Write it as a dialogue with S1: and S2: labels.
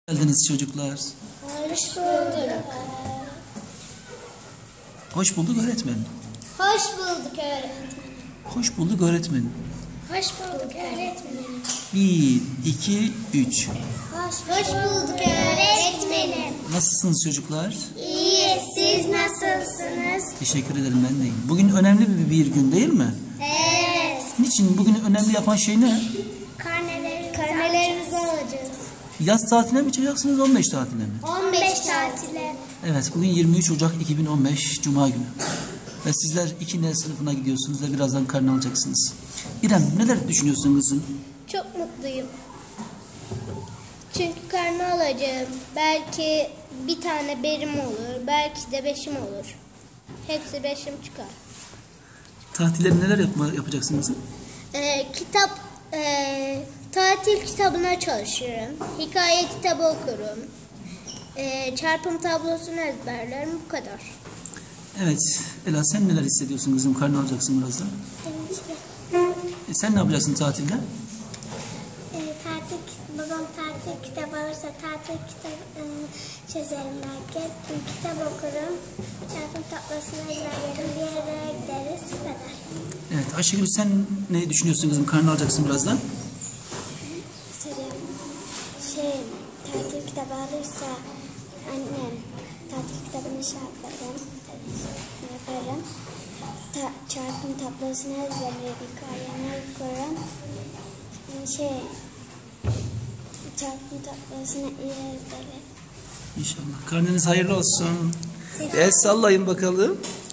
S1: Geldiniz çocuklar.
S2: Hoş bulduk.
S1: Hoş bulduk öğretmenim.
S2: Hoş bulduk öğretmenim.
S1: Hoş bulduk öğretmenim.
S2: Hoş bulduk öğretmenim.
S1: 1, 2, 3.
S2: Hoş bulduk öğretmenim.
S1: Nasılsınız çocuklar?
S2: İyi, siz nasılsınız?
S1: Teşekkür ederim, ben de iyiyim. Bugün önemli bir gün değil mi?
S2: Evet.
S1: Niçin? Bugün önemli yapan şey ne?
S2: Karnelerimizi alacağız.
S1: Yaz tatiline mi çıkacaksınız, 15 tatiline mi?
S2: 15 tatile.
S1: Evet, bugün 23 Ocak 2015 Cuma günü. Ve sizler 2N sınıfına gidiyorsunuz ve birazdan karne alacaksınız. İrem, neler düşünüyorsun kızım?
S2: Çok mutluyum. Çünkü karne alacağım. Belki bir tane berim olur. Belki de 5'im olur. Hepsi 5'im çıkar.
S1: Tatilleri neler yapacaksın kızım?
S2: Tatil kitabına çalışırım. Hikaye kitabı okurum. Çarpım tablosunu ezberlerim. Bu kadar.
S1: Evet, Ela, sen neler hissediyorsun kızım? Karne alacaksın birazdan. Sen ne yapacaksın tatilde?
S3: Babam tatil kitabı alırsa tatil kitabı çözerim belki. Kitap okurum. Çarpım tablosunu ezberlerim. Bir yere gideriz. Bu kadar.
S1: Evet, Ayşegül, sen ne düşünüyorsun kızım? Karne alacaksın birazdan.
S3: Tatil kitabı alırsa annem tatil kitabını yaparım. Çarpım tablosunu ezberlerim. Hikayemi okurum. Çarpım tablosunu iyi ezberlerim.
S1: İnşallah. Karneniz hayırlı olsun. El sallayın bakalım.